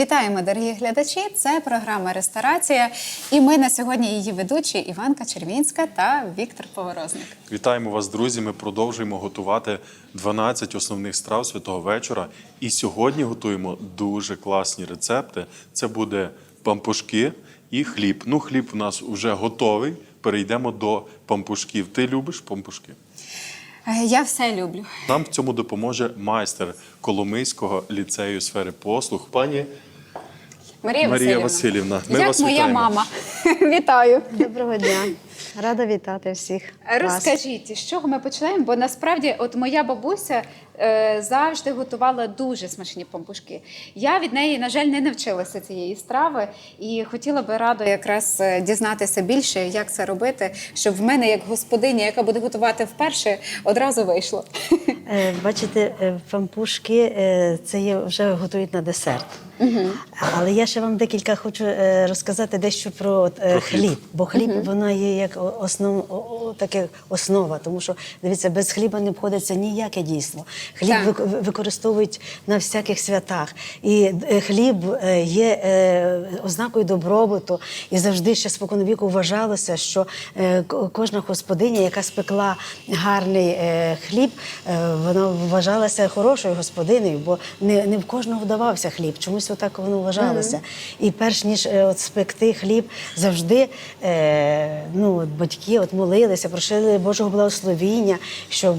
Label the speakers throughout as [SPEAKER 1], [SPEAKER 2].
[SPEAKER 1] Вітаємо, дорогі глядачі! Це програма «Ресторація». І ми на сьогодні її ведучі Іванка Червінська та Віктор Поворозник.
[SPEAKER 2] Вітаємо вас, друзі! Ми продовжуємо готувати 12 основних страв святого вечора. І сьогодні готуємо дуже класні рецепти. Це буде пампушки і хліб. Ну, хліб у нас вже готовий. Перейдемо до пампушків. Ти любиш пампушки?
[SPEAKER 1] Я все люблю.
[SPEAKER 2] Нам в цьому допоможе майстер Коломийського ліцею сфери послуг, пані Марія Василівна. Ми
[SPEAKER 1] Як
[SPEAKER 2] вас
[SPEAKER 1] моя
[SPEAKER 2] вітаємо.
[SPEAKER 1] мама. Вітаю.
[SPEAKER 3] Доброго дня. Рада вітати всіх вас.
[SPEAKER 1] Розкажіть, з чого ми починаємо? Бо насправді от моя бабуся завжди готувала дуже смачні пампушки. Я від неї, на жаль, не навчилася цієї страви і хотіла би радо якраз дізнатися більше, як це робити, щоб в мене, як господиня, яка буде готувати вперше, одразу вийшло.
[SPEAKER 3] Бачите, пампушки це є, вже готують на десерт. Але я ще вам декілька хочу розказати дещо про хліб. Бо хліб, вона є як основа. Тому що, дивіться, без хліба не обходиться ніяке дійство. Хліб використовують на всяких святах. І хліб є ознакою добробуту. І завжди ще споконвіку вважалося, що кожна господиня, яка спекла гарний хліб, вона вважалася хорошою господинею, бо не в кожного вдавався хліб. Чомусь отак воно вважалося. І перш ніж спекти хліб, завжди батьки молилися, просили Божого благословіння, щоб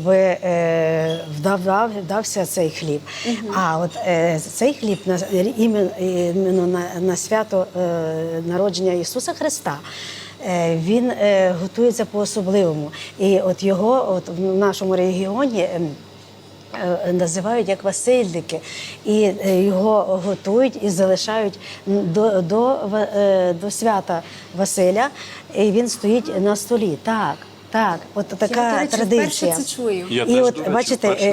[SPEAKER 3] вдався цей хліб. А от цей хліб іменно на свято народження Ісуса Христа, він готується по-особливому. І от його в нашому регіоні називають як Васильники. І його готують і залишають до свята Василя. І він стоїть на столі. Так, от така традиція.
[SPEAKER 1] Я, це чую.
[SPEAKER 3] І от, бачите,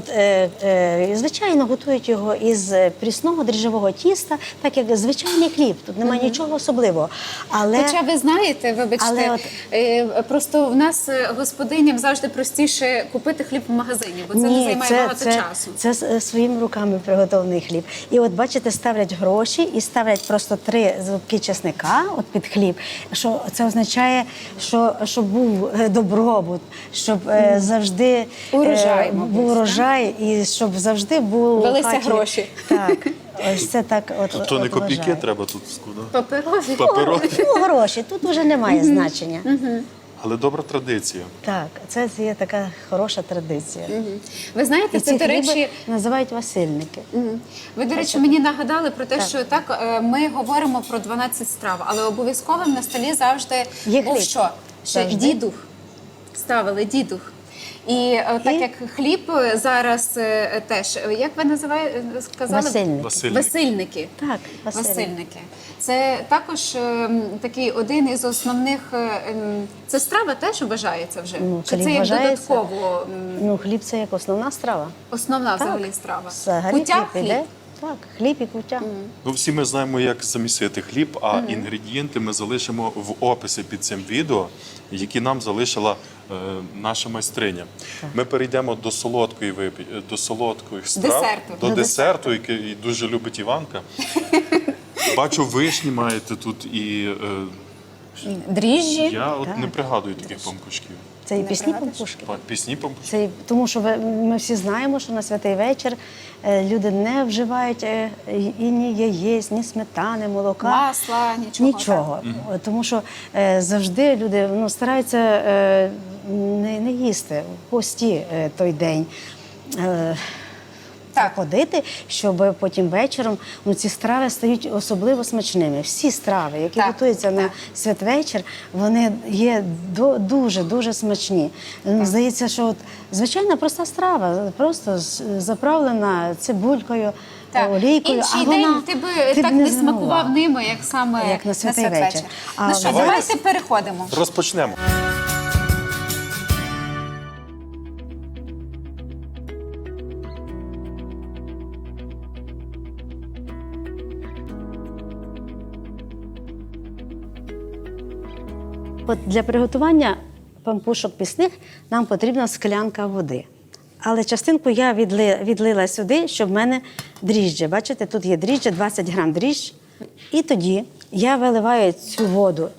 [SPEAKER 3] звичайно, готують його із прісного дріжджового тіста, так як звичайний хліб. Тут немає нічого особливого.
[SPEAKER 1] Хоча ви знаєте, вибачте, просто в нас господиням завжди простіше купити хліб в магазині, бо це не займає багато часу.
[SPEAKER 3] Це своїми руками приготовлений хліб. І от, бачите, ставлять гроші і ставлять просто 3 зубки чесника під хліб. Що це означає, що був добробут, щоб завжди був урожай і щоб завжди був
[SPEAKER 1] велися гроші.
[SPEAKER 3] Так, ось це так.
[SPEAKER 2] Тобто не копійки треба тут складати?
[SPEAKER 1] Паперові.
[SPEAKER 3] Гроші, тут вже немає значення.
[SPEAKER 2] Але добра традиція.
[SPEAKER 3] Так, це є така хороша традиція.
[SPEAKER 1] Ви знаєте,
[SPEAKER 3] І
[SPEAKER 1] це,
[SPEAKER 3] ці
[SPEAKER 1] до речі,
[SPEAKER 3] хліби називають Васильники.
[SPEAKER 1] ви, до речі, мені нагадали про те, що так, ми говоримо про 12 страв, але обов'язковим на столі завжди був що? Дідух. Ставили дідух. І так як хліб зараз теж, як ви називаєте, сказали? Васильники.
[SPEAKER 3] Так,
[SPEAKER 1] Васильники. Це також такий один із основних, це страва теж вважається вже? Чи це як додатково?
[SPEAKER 3] Хліб це як основна страва.
[SPEAKER 1] Основна взагалі страва.
[SPEAKER 3] Куття хліб. Так, хліб і куття.
[SPEAKER 2] Всі ми знаємо, як замісити хліб, а інгредієнти ми залишимо в описі під цим відео, які нам залишила наша майстриня. Ми перейдемо до солодкої страв, до десерту, який дуже любить Іванка. Бачу, вишні маєте тут і
[SPEAKER 1] дріжджі.
[SPEAKER 2] Я не пригадую таких пампушків.
[SPEAKER 3] Це і пісні пампушки.
[SPEAKER 2] Пісні пампушки?
[SPEAKER 3] Тому що ми всі знаємо, що на святий вечір люди не вживають і ні яєць, ні сметани, молока.
[SPEAKER 1] Масла, нічого.
[SPEAKER 3] Тому що завжди люди стараються не їсти в пості той день. Ходити, щоб потім вечором ці страви стають особливо смачними. Всі страви, які готуються на святвечір, вони є дуже смачні. Здається, що звичайна проста страва, просто заправлена цибулькою, олійкою.
[SPEAKER 1] Інший день ти би так не смакував ними, як саме
[SPEAKER 3] на святий вечір.
[SPEAKER 1] Ну що, давайте переходимо.
[SPEAKER 2] Розпочнемо.
[SPEAKER 3] Для приготування пампушок пісних нам потрібна склянка води. Але частинку я відлила сюди, щоб в мене дріжджі. Бачите, тут є дріжджі, 20 грам дріждж. І тоді я виливаю цю воду,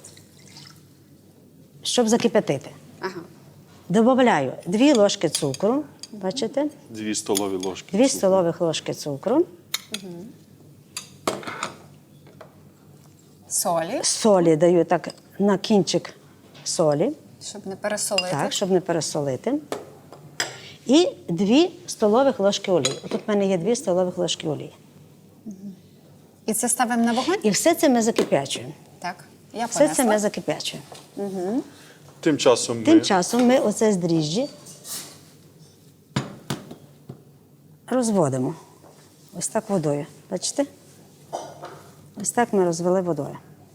[SPEAKER 3] щоб закип'ятити.
[SPEAKER 1] Ага.
[SPEAKER 3] Добавляю 2 ложки цукру, бачите?
[SPEAKER 2] 2 столові ложки.
[SPEAKER 3] 2 столових ложки цукру.
[SPEAKER 1] Солі,
[SPEAKER 3] Солі даю так на кінчик солі,
[SPEAKER 1] щоб не пересолити.
[SPEAKER 3] так, щоб не пересолити. І 2 столових ложки олії. Тут в мене є 2 столових ложки олії.
[SPEAKER 1] І це ставимо на вогонь?
[SPEAKER 3] І все це ми закип'ячуємо.
[SPEAKER 1] Так, я
[SPEAKER 3] Все
[SPEAKER 1] понесла.
[SPEAKER 3] це ми закип'ячуємо.
[SPEAKER 2] Тим часом
[SPEAKER 3] Тим часом ми оце з дріжджі розводимо. Ось так водою. Бачите? Ось так ми розвели водою.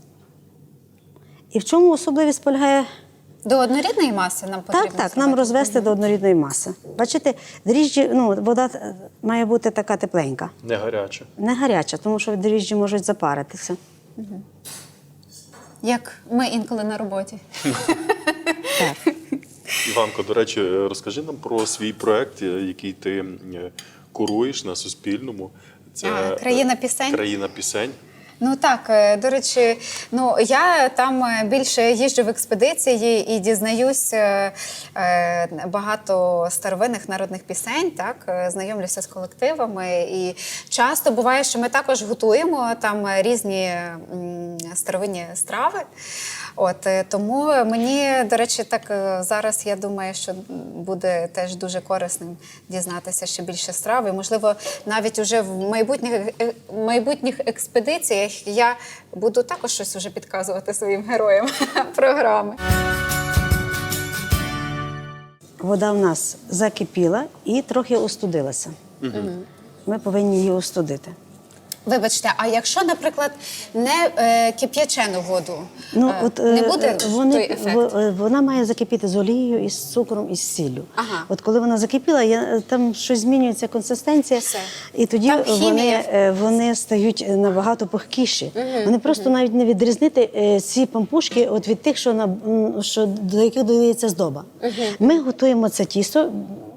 [SPEAKER 3] І в чому особливість полягає?
[SPEAKER 1] До однорідної маси нам потрібно
[SPEAKER 3] Так, нам
[SPEAKER 1] зробити?
[SPEAKER 3] розвести до однорідної маси. Бачите, дріжджі, вода має бути така тепленька.
[SPEAKER 2] не гаряче.
[SPEAKER 3] Не гаряча, тому що дріжджі можуть запаритися.
[SPEAKER 1] Як ми інколи на роботі.
[SPEAKER 3] Так.
[SPEAKER 2] Іванко, до речі, розкажи нам про свій проект, який ти куруєш на Суспільному. Це
[SPEAKER 1] «Країна пісень».
[SPEAKER 2] «Країна пісень».
[SPEAKER 1] Ну так, до речі, я там більше їжджу в експедиції і дізнаюсь багато старовинних народних пісень, так, знайомлюся з колективами. І часто буває, що ми також готуємо там різні старовинні страви. Тому мені, до речі, так зараз я думаю, що буде теж дуже корисним дізнатися ще більше страв. І, можливо, навіть уже в майбутніх експедиціях я буду також щось вже підказувати своїм героям програми.
[SPEAKER 3] Вода в нас закипіла і трохи остудилася. Ми повинні її остудити.
[SPEAKER 1] Вибачте, а якщо, наприклад, не кип'ячену воду, не буде той ефект?
[SPEAKER 3] Вона має закипіти з олією, із цукром, і з сіллю.
[SPEAKER 1] Ага.
[SPEAKER 3] От коли вона закипіла, там щось змінюється консистенція,
[SPEAKER 1] Все.
[SPEAKER 3] і тоді
[SPEAKER 1] Там хімія.
[SPEAKER 3] вони стають набагато пухкіші. Вони просто навіть не відрізнити ці пампушки від тих, до яких додається здоба. Ми готуємо це тісто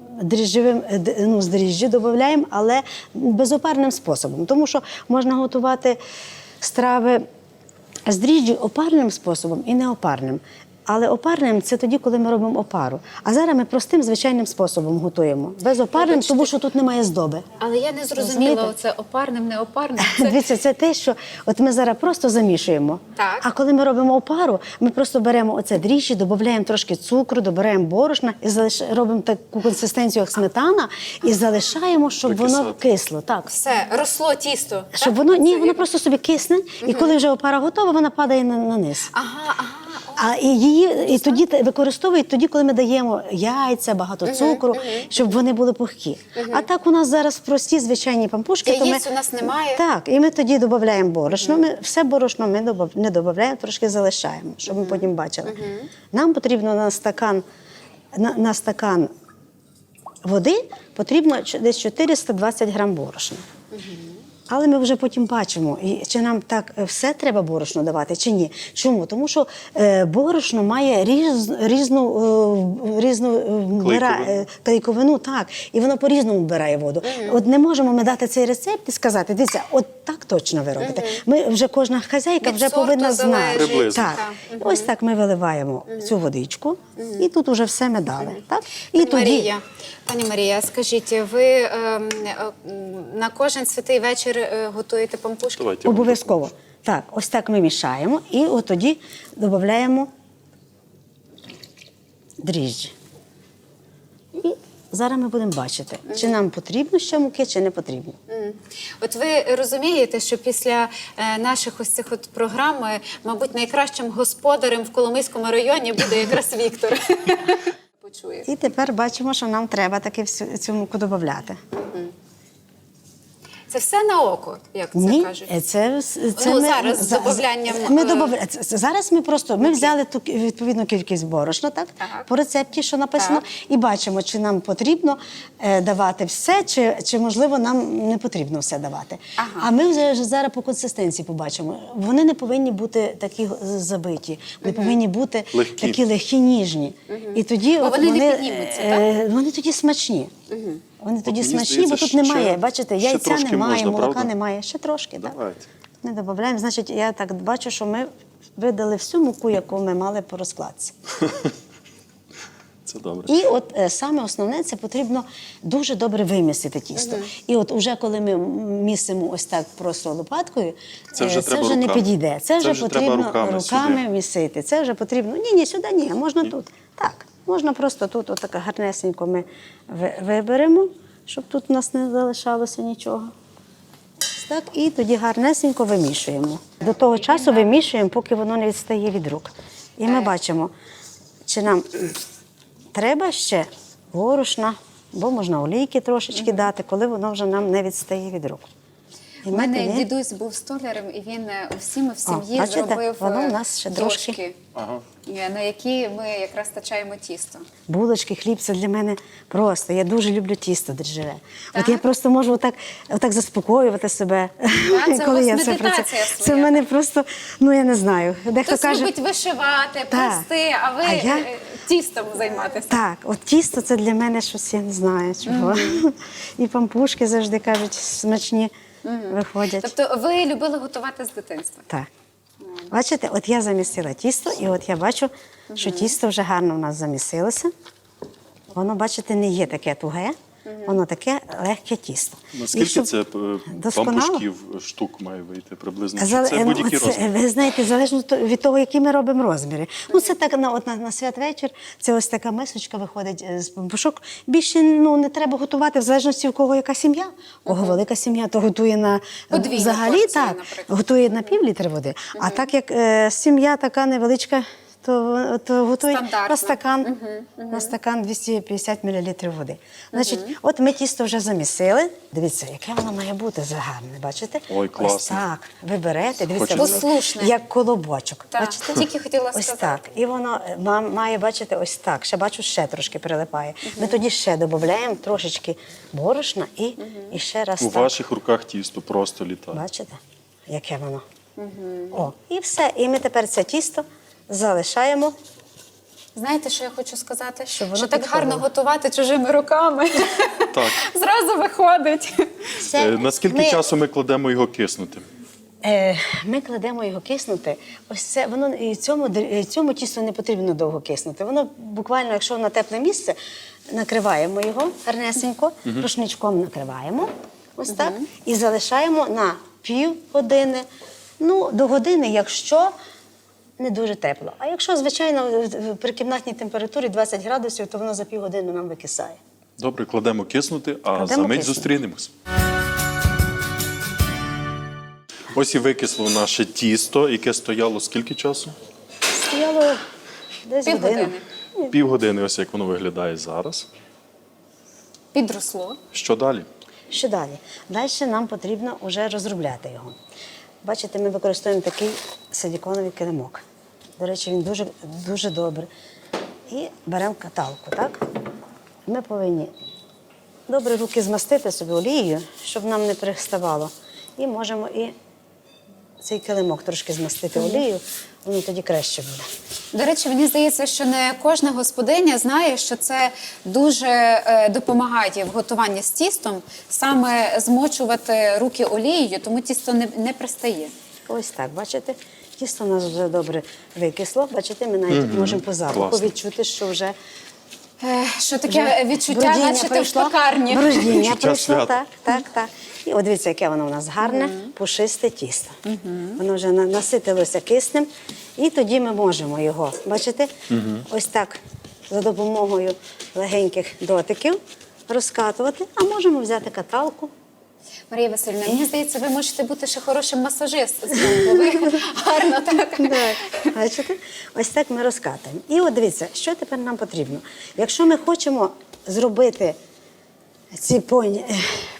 [SPEAKER 3] з дріжджі додаємо, але безопарним способом. Тому що можна готувати страви з дріжджі опарним способом і неопарним. Але опарним – це тоді, коли ми робимо опару. А зараз ми простим, звичайним способом готуємо. Безопарним, тому що тут немає здоби.
[SPEAKER 1] Але я не зрозуміла,
[SPEAKER 3] Розумієте?
[SPEAKER 1] оце опарним, неопарним.
[SPEAKER 3] Дивіться, це те, що ми зараз просто замішуємо.
[SPEAKER 1] Так.
[SPEAKER 3] А коли ми робимо опару, ми просто беремо оце дріжджі, додаємо трошки цукру, додаємо борошна і робимо таку консистенцію, як сметана, і залишаємо, щоб воно
[SPEAKER 2] Викисати.
[SPEAKER 3] кисло. Так.
[SPEAKER 1] Все, росло тісто.
[SPEAKER 3] Щоб
[SPEAKER 1] так?
[SPEAKER 3] воно просто собі кисне, і коли вже опара готова, вона падає на низ.
[SPEAKER 1] Ага.
[SPEAKER 3] А її тоді використовують тоді, коли ми даємо яйця, багато цукру, щоб вони були пухкі. А так у нас зараз прості звичайні пампушки.
[SPEAKER 1] Яєць у нас немає.
[SPEAKER 3] Так, і ми тоді додаємо борошно. Все борошно ми не додаємо, трошки залишаємо, щоб ми потім бачили. Нам потрібно на стакан води потрібно десь 420 грам борошна. Але ми вже потім бачимо, чи нам так все треба борошно давати, чи ні. Чому? Тому що борошно має різну клейковину, так, і воно по-різному вбирає воду. От не можемо ми дати цей рецепт і сказати, дивіться, от так точно ви робите. Ми вже кожна хазяйка
[SPEAKER 1] Від
[SPEAKER 3] вже
[SPEAKER 1] сорту
[SPEAKER 3] повинна знати.
[SPEAKER 1] залежить.
[SPEAKER 2] Приблизно.
[SPEAKER 3] Так. Ось так ми виливаємо цю водичку, і тут уже все ми дали. Так? І
[SPEAKER 1] Пані Марія, скажіть, ви на кожен святий вечір готуєте пампушки?
[SPEAKER 2] Давайте.
[SPEAKER 3] Обов'язково. Так, ось так ми мішаємо і от тоді додаємо дріжджі. І зараз ми будемо бачити, чи нам потрібно ще муки, чи не потрібно.
[SPEAKER 1] От ви розумієте, що після наших ось цих програм, мабуть, найкращим господарем в Коломийському районі буде якраз Віктор. Почує.
[SPEAKER 3] І тепер бачимо, що нам треба таки цю муку додати.
[SPEAKER 1] Це все на око, як це
[SPEAKER 3] Ні,
[SPEAKER 1] кажуть.
[SPEAKER 3] це
[SPEAKER 1] Ну, зараз з добавлянням,
[SPEAKER 3] Зараз ми взяли ту відповідну кількість борошна, так?
[SPEAKER 1] Так.
[SPEAKER 3] По рецепті, що написано,
[SPEAKER 1] Так.
[SPEAKER 3] і бачимо, чи нам потрібно давати все, чи можливо нам не потрібно все давати.
[SPEAKER 1] Ага.
[SPEAKER 3] А ми вже зараз по консистенції побачимо. Вони не повинні бути такі забиті, вони повинні бути
[SPEAKER 2] Легкі.
[SPEAKER 3] такі легкі, ніжні. І тоді
[SPEAKER 1] Бо
[SPEAKER 3] от
[SPEAKER 1] вони не піднімуться, так?
[SPEAKER 3] вони тоді смачні. Вони тоді
[SPEAKER 2] мені
[SPEAKER 3] смачні,
[SPEAKER 2] здається,
[SPEAKER 3] бо тут
[SPEAKER 2] ще-
[SPEAKER 3] немає, бачите,
[SPEAKER 2] ще
[SPEAKER 3] яйця
[SPEAKER 2] трошки
[SPEAKER 3] немає,
[SPEAKER 2] можна,
[SPEAKER 3] молока
[SPEAKER 2] правда?
[SPEAKER 3] немає. Ще трошки, так.
[SPEAKER 2] Давайте.
[SPEAKER 3] Не додаємо. Значить, я так бачу, що ми видали всю муку, яку ми мали по розкладці.
[SPEAKER 2] Це добре.
[SPEAKER 3] І от саме основне, це потрібно дуже добре вимісити тісто. І от уже коли ми місимо ось так просто лопаткою,
[SPEAKER 2] Це вже треба
[SPEAKER 3] не
[SPEAKER 2] руками.
[SPEAKER 3] підійде. Це вже
[SPEAKER 2] вже треба
[SPEAKER 3] потрібно
[SPEAKER 2] руками сюди.
[SPEAKER 3] місити. Це вже потрібно. Ні, сюди ні, можна тут. Так, можна просто тут отак гарнесенько ми виберемо, щоб тут у нас не залишалося нічого. Ось так, і тоді гарнесенько вимішуємо. До того часу вимішуємо, поки воно не відстає від рук. І ми бачимо, чи нам треба ще борошна, бо можна олійки трошечки дати, коли воно вже нам не відстає від рук. І
[SPEAKER 1] У
[SPEAKER 3] ми
[SPEAKER 1] мене
[SPEAKER 3] тоді-
[SPEAKER 1] дідусь був столярем, і він всім в сім'ї
[SPEAKER 3] бачите,
[SPEAKER 1] зробив
[SPEAKER 3] воно у нас ще
[SPEAKER 1] дошки,
[SPEAKER 3] трошки.
[SPEAKER 2] Ага.
[SPEAKER 1] на які ми якраз тачаємо тісто.
[SPEAKER 3] Булочки, хліб – це для мене просто. Я дуже люблю тісто дріжджеве. От
[SPEAKER 1] Так?
[SPEAKER 3] я просто можу отак заспокоювати себе,
[SPEAKER 1] це у
[SPEAKER 3] коли
[SPEAKER 1] вас
[SPEAKER 3] я це
[SPEAKER 1] медитація
[SPEAKER 3] працюю. Це
[SPEAKER 1] своя.
[SPEAKER 3] в мене просто, ну я не знаю. Дехто
[SPEAKER 1] Хтось
[SPEAKER 3] каже,
[SPEAKER 1] любить вишивати,
[SPEAKER 3] Так.
[SPEAKER 1] плести, а ви
[SPEAKER 3] А я-
[SPEAKER 1] тістом займатися.
[SPEAKER 3] так, от тісто це для мене щось, я не знаю чого. І пампушки завжди кажуть, смачні виходять.
[SPEAKER 1] Тобто ви любили готувати з дитинства?
[SPEAKER 3] Так. Бачите, от я замісила тісто, і от я бачу, що тісто вже гарно в нас замісилося. Воно, бачите, не є таке туге, воно таке легке тісто. І
[SPEAKER 2] Наскільки
[SPEAKER 3] щоб
[SPEAKER 2] це
[SPEAKER 3] досконало-
[SPEAKER 2] пампушків штук має вийти приблизно? Чи
[SPEAKER 3] Зале-
[SPEAKER 2] це будь-який
[SPEAKER 3] це,
[SPEAKER 2] розмір?
[SPEAKER 3] ви знаєте, залежно від того, які ми робимо розміри. Ну, це так на святвечір, це ось така мисочка виходить з пампушок. Більше не треба готувати, в залежності, у кого яка сім'я. У кого велика сім'я, то готує на
[SPEAKER 1] Подвійну
[SPEAKER 3] взагалі
[SPEAKER 1] порцію,
[SPEAKER 3] так,
[SPEAKER 1] наприклад.
[SPEAKER 3] готує на пів-літри води. А так як сім'я така невеличка, то готують
[SPEAKER 1] Стандартно.
[SPEAKER 3] на стакан 250 мл води. Значить, от ми тісто вже замісили. Дивіться, яке воно має бути загарне, бачите?
[SPEAKER 2] Ой, класно.
[SPEAKER 3] Ось так, ви берете, дивіться,
[SPEAKER 2] Хочеться.
[SPEAKER 3] воно
[SPEAKER 1] Послушне.
[SPEAKER 3] як колобочок.
[SPEAKER 1] Так,
[SPEAKER 3] Бачите?
[SPEAKER 1] тільки хотіла
[SPEAKER 3] Ось
[SPEAKER 1] сказати.
[SPEAKER 3] так. І воно має, бачите, ось так. Ще бачу, ще трошки прилипає. Ми тоді ще додаємо трошечки борошна і ще раз
[SPEAKER 2] У
[SPEAKER 3] так.
[SPEAKER 2] ваших руках тісто просто літає.
[SPEAKER 3] Бачите, яке воно? О, і все. І ми тепер це тісто залишаємо.
[SPEAKER 1] Знаєте, що я хочу сказати?
[SPEAKER 3] Щоб воно
[SPEAKER 1] Що так
[SPEAKER 3] підходило.
[SPEAKER 1] гарно готувати чужими руками.
[SPEAKER 2] Так.
[SPEAKER 1] Зразу виходить.
[SPEAKER 3] Все.
[SPEAKER 2] Наскільки часу ми кладемо його киснути?
[SPEAKER 3] Ми кладемо його киснути. Ось це воно і цьому тісту не потрібно довго киснути. Воно буквально, якщо на тепле місце, накриваємо його гарнесенько, рушничком накриваємо. Ось так. І залишаємо на півгодини. Ну, до години, якщо не дуже тепло. А якщо, звичайно, при кімнатній температурі 20 градусів, то воно за півгодини нам викисає.
[SPEAKER 2] Добре, кладемо киснути, а
[SPEAKER 3] Кладемо
[SPEAKER 2] за мить
[SPEAKER 3] киснути.
[SPEAKER 2] зустрінемось. Ось і викисло наше тісто, яке стояло скільки часу?
[SPEAKER 3] Стояло десь
[SPEAKER 1] Півгодини.
[SPEAKER 3] годину.
[SPEAKER 2] Півгодини, ось як воно виглядає зараз.
[SPEAKER 1] Підросло.
[SPEAKER 2] Що далі?
[SPEAKER 3] Що далі? Далі нам потрібно вже розробляти його. Бачите, ми використовуємо такий силіконовий килимок. До речі, він дуже, дуже добрий. І беремо каталку, так? Ми повинні добре руки змастити собі олією, щоб нам не приставало. І можемо і цей килимок трошки змастити олією, воно тоді краще буде.
[SPEAKER 1] До речі, мені здається, що не кожна господиня знає, що це дуже допомагає в готуванні з тістом, саме змочувати руки олією, тому тісто не пристає.
[SPEAKER 3] Ось так, бачите? Тісто у нас вже добре викисло. Бачите, ми навіть можемо по запаху
[SPEAKER 2] Класно.
[SPEAKER 3] відчути, що вже
[SPEAKER 1] Що таке відчуття,
[SPEAKER 3] бродіння
[SPEAKER 1] наче ти в
[SPEAKER 3] пройшло.
[SPEAKER 1] пекарні.
[SPEAKER 3] Бродіння
[SPEAKER 2] Відчуття
[SPEAKER 3] пройшло,
[SPEAKER 2] свята.
[SPEAKER 3] так. І от дивіться, яке воно у нас гарне, пушисте тісто. Воно вже наситилося киснем. І тоді ми можемо його, бачите, ось так за допомогою легеньких дотиків розкатувати, а можемо взяти каталку.
[SPEAKER 1] Марія Васильівна, мені здається, ви можете бути ще хорошим масажистом, бо ви гарно так.
[SPEAKER 3] Так, бачите? Ось так ми розкатуємо. І от дивіться, що тепер нам потрібно. Якщо ми хочемо зробити ці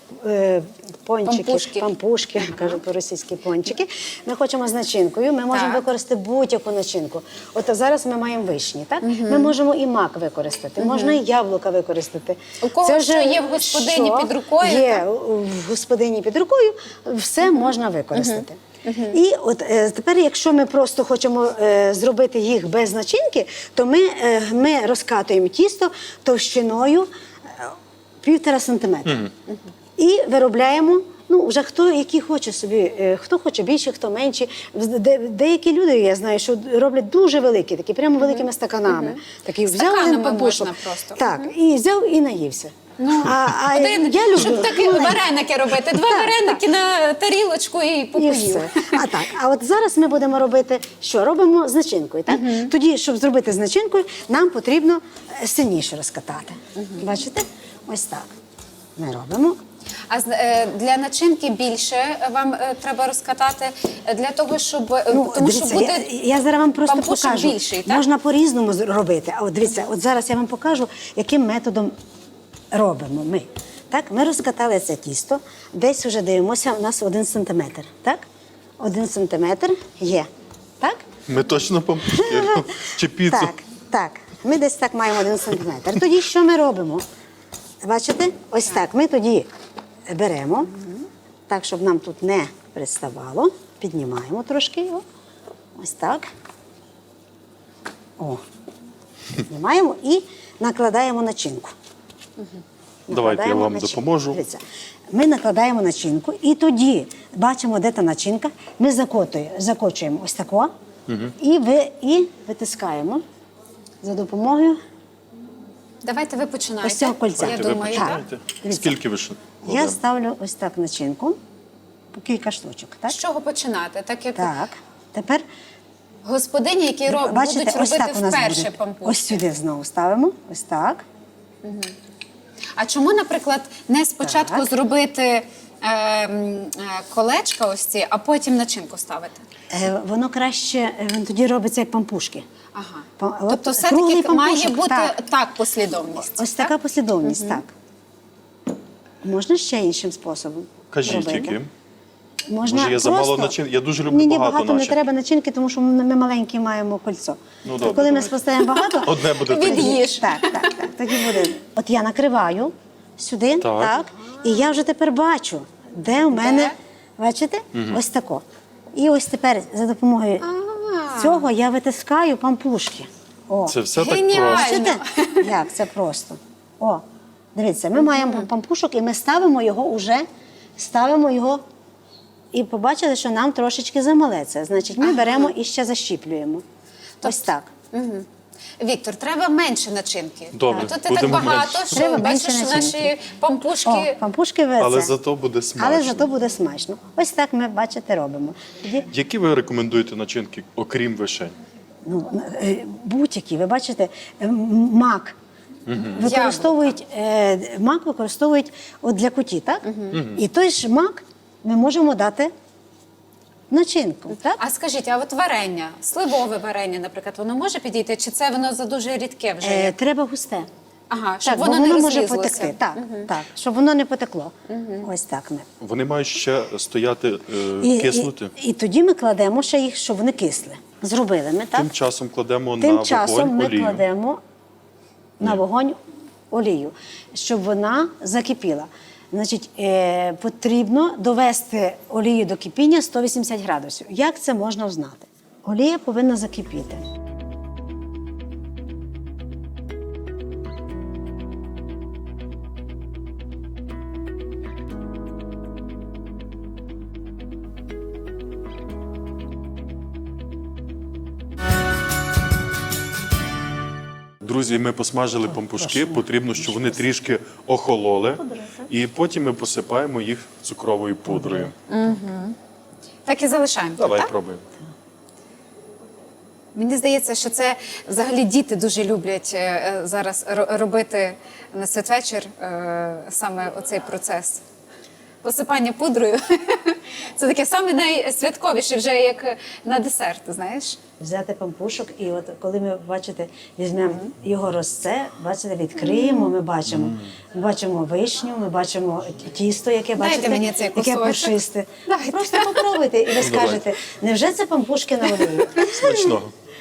[SPEAKER 3] пончики,
[SPEAKER 1] Пампушки.
[SPEAKER 3] пампушки, кажу по-російськи пончики. Ми хочемо з начинкою, ми можемо
[SPEAKER 1] Так.
[SPEAKER 3] використати будь-яку начинку. От зараз ми маємо вишні, так? Ми можемо і мак використати, можна і яблука використати.
[SPEAKER 1] У кого що є в господині
[SPEAKER 3] що
[SPEAKER 1] під рукою,
[SPEAKER 3] Є в господині під рукою, все можна використати. І от тепер, якщо ми просто хочемо зробити їх без начинки, то ми розкатуємо тісто товщиною 1,5 сантиметра. І виробляємо, ну, вже хто який хоче собі, хто хоче більше, хто менше. Деякі люди, я знаю, що роблять дуже великі, такі прямо великими стаканами. Такий взяв
[SPEAKER 1] Стаканами
[SPEAKER 3] один пампушок,
[SPEAKER 1] можна просто.
[SPEAKER 3] Так, і взяв і наївся. Я люблю.
[SPEAKER 1] Щоб такі вареники робити. Два вареники на тарілочку і
[SPEAKER 3] І
[SPEAKER 1] попоїв.
[SPEAKER 3] все. А от зараз ми будемо робити, що? Робимо з начинкою, так? Тоді, щоб зробити з начинкою, нам потрібно сильніше розкатати. Бачите? Ось так. Ми робимо.
[SPEAKER 1] А для начинки більше вам треба розкатати для того, щоб тому
[SPEAKER 3] дивіться,
[SPEAKER 1] що буде
[SPEAKER 3] я зараз вам просто
[SPEAKER 1] пампушок
[SPEAKER 3] покажу.
[SPEAKER 1] більший, так?
[SPEAKER 3] Можна по-різному робити. А от дивіться, от зараз я вам покажу, яким методом робимо ми. Так, ми розкатали це тісто, десь вже дивимося, у нас 1 сантиметр. Так? 1 сантиметр є. Так?
[SPEAKER 2] Ми точно пампушки чи піцу?
[SPEAKER 3] Так. Ми десь так маємо 1 сантиметр. Тоді що ми робимо? Бачите? Ось так. Ми тоді беремо, так, щоб нам тут не приставало. Піднімаємо трошки його. Ось так. О. Піднімаємо і накладаємо начинку.
[SPEAKER 2] Давайте я
[SPEAKER 3] Накладаємо
[SPEAKER 2] вам
[SPEAKER 3] начинку.
[SPEAKER 2] допоможу.
[SPEAKER 3] Дивіться, ми накладаємо начинку і тоді бачимо, де та начинка. Ми закочуємо ось тако і витискаємо за допомогою
[SPEAKER 1] Давайте ви починаєте.
[SPEAKER 3] ось цього кольця.
[SPEAKER 1] Я
[SPEAKER 2] Давайте ви
[SPEAKER 1] думаю, так.
[SPEAKER 2] починаєте.
[SPEAKER 3] Дивіться.
[SPEAKER 2] Скільки ви ще
[SPEAKER 3] Я
[SPEAKER 2] кладемо?
[SPEAKER 3] ставлю ось так начинку, по кілька штучок. Так?
[SPEAKER 1] З чого починати? Так як
[SPEAKER 3] Так. Тепер,
[SPEAKER 1] господині, які
[SPEAKER 3] бачите,
[SPEAKER 1] будуть
[SPEAKER 3] ось
[SPEAKER 1] робити
[SPEAKER 3] так у нас
[SPEAKER 1] вперше
[SPEAKER 3] буде.
[SPEAKER 1] пампушки.
[SPEAKER 3] Ось сюди знову ставимо. Ось так.
[SPEAKER 1] А чому, наприклад, не спочатку
[SPEAKER 3] Так.
[SPEAKER 1] зробити колечка ось ці, а потім начинку ставити?
[SPEAKER 3] Воно краще, тоді робиться як пампушки.
[SPEAKER 1] Ага.
[SPEAKER 3] От
[SPEAKER 1] Тобто
[SPEAKER 3] круглий
[SPEAKER 1] все-таки має
[SPEAKER 3] пампушок,
[SPEAKER 1] бути
[SPEAKER 3] так.
[SPEAKER 1] так послідовність.
[SPEAKER 3] Ось
[SPEAKER 1] так?
[SPEAKER 3] така послідовність, так. Можна ще іншим способом
[SPEAKER 2] Кажіть,
[SPEAKER 3] робити.
[SPEAKER 2] яким?
[SPEAKER 3] Можна
[SPEAKER 2] Може, є замало
[SPEAKER 3] просто-
[SPEAKER 2] начин? Я дуже люблю
[SPEAKER 3] Ні,
[SPEAKER 2] багато
[SPEAKER 3] багато не
[SPEAKER 2] начинки.
[SPEAKER 3] треба начинки, тому що ми маленькі маємо кольцо.
[SPEAKER 2] Ну,
[SPEAKER 3] То
[SPEAKER 2] добре,
[SPEAKER 3] коли ми
[SPEAKER 2] давайте.
[SPEAKER 3] поставимо багато,
[SPEAKER 2] Одне буде
[SPEAKER 1] Від-
[SPEAKER 2] тоді.
[SPEAKER 1] Від'їж.
[SPEAKER 3] Так. Тоді буде. От я накриваю сюди, так. І я вже тепер бачу, де у мене, бачите, ось тако. І ось тепер за допомогою цього я витискаю пампушки. О.
[SPEAKER 2] Це все так
[SPEAKER 1] Геніально.
[SPEAKER 2] просто.
[SPEAKER 3] Бачите, як це просто. О, дивіться, ми маємо пампушок і ми ставимо його і побачили, що нам трошечки замале це. Значить, ми беремо і ще защіплюємо. Ось так.
[SPEAKER 1] Віктор, треба менше начинки.
[SPEAKER 2] Добре,
[SPEAKER 1] Тут так
[SPEAKER 2] будемо
[SPEAKER 1] багато,
[SPEAKER 2] менше.
[SPEAKER 1] що
[SPEAKER 3] Треба
[SPEAKER 1] бачиш,
[SPEAKER 3] менше начинки.
[SPEAKER 1] наші пампушки.
[SPEAKER 3] О, пампушки веце.
[SPEAKER 2] Але зато буде смачно.
[SPEAKER 3] Але зато буде смачно. Ось так ми, бачите, робимо. Тоді,
[SPEAKER 2] Які ви рекомендуєте начинки, окрім вишень?
[SPEAKER 3] будь-які, ви бачите, мак. Мак використовують от для куті, так? І той ж мак ми можемо дати начинку, так?
[SPEAKER 1] А скажіть, а от варення, сливове варення, наприклад, воно може підійти, чи це воно за дуже рідке вже є?
[SPEAKER 3] Треба густе.
[SPEAKER 1] Ага, щоб
[SPEAKER 3] Так, бо
[SPEAKER 1] воно не
[SPEAKER 3] може
[SPEAKER 1] розлізлося.
[SPEAKER 3] потекти. Так, щоб воно не потекло. Ось так ми.
[SPEAKER 2] Вони мають ще стояти, киснути.
[SPEAKER 3] І тоді ми кладемо ще їх, щоб вони кисли. Зробили ми, так?
[SPEAKER 2] Тим часом кладемо
[SPEAKER 3] Тим
[SPEAKER 2] на
[SPEAKER 3] часом
[SPEAKER 2] вогонь
[SPEAKER 3] ми
[SPEAKER 2] олію.
[SPEAKER 3] кладемо на вогонь олію, щоб вона закипіла. Значить, потрібно довести олію до кипіння 180 градусів. Як це можна взнати? Олія повинна закипіти.
[SPEAKER 2] Друзі, ми посмажили пампушки, потрібно, щоб вони трішки охололи, і потім ми посипаємо їх цукровою пудрою.
[SPEAKER 1] Так і залишаємо.
[SPEAKER 2] Давай
[SPEAKER 1] так?
[SPEAKER 2] пробуємо.
[SPEAKER 1] Мені здається, що це взагалі діти дуже люблять зараз робити на святвечір саме оцей процес. Посипання пудрою. Це таке саме найсвятковіше, вже як на десерт, знаєш.
[SPEAKER 3] Взяти пампушок, і от коли ми, бачите, візьмемо його розце, бачите, відкриємо, ми бачимо вишню, ми бачимо тісто, яке,
[SPEAKER 1] Дайте
[SPEAKER 3] бачите,
[SPEAKER 1] мені цей
[SPEAKER 3] яке
[SPEAKER 1] кусочок.
[SPEAKER 3] пушисте.
[SPEAKER 1] Дайте.
[SPEAKER 3] Просто попробуйте, і ви скажете, невже це пампушки на олії?
[SPEAKER 2] Смачного.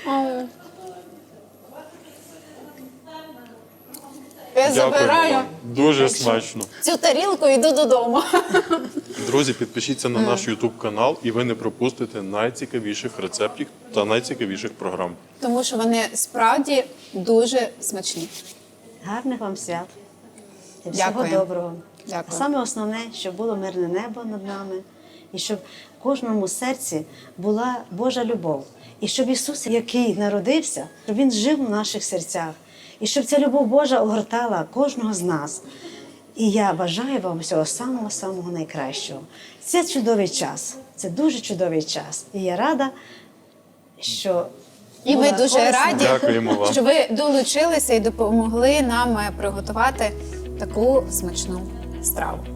[SPEAKER 1] Я
[SPEAKER 2] Дякуємо
[SPEAKER 1] забираю
[SPEAKER 2] вам. Дуже смачно.
[SPEAKER 1] цю тарілку і йду додому.
[SPEAKER 2] Друзі, підпишіться на наш YouTube канал, і ви не пропустите найцікавіших рецептів та найцікавіших програм.
[SPEAKER 1] Тому що вони справді дуже смачні.
[SPEAKER 3] Гарних вам свят. І всього
[SPEAKER 1] Дякую.
[SPEAKER 3] доброго.
[SPEAKER 1] Дякую.
[SPEAKER 3] А саме основне, щоб було мирне небо над нами, і щоб в кожному серці була Божа любов. І щоб Ісус, який народився, щоб Він жив в наших серцях. І щоб ця любов Божа огортала кожного з нас. І я бажаю вам всього самого-самого найкращого. Це чудовий час, це дуже чудовий час. І я рада, що
[SPEAKER 1] І ми
[SPEAKER 3] була
[SPEAKER 1] дуже
[SPEAKER 3] корисна.
[SPEAKER 1] раді,
[SPEAKER 2] Дякуємо вам.
[SPEAKER 1] що ви долучилися і допомогли нам приготувати таку смачну страву.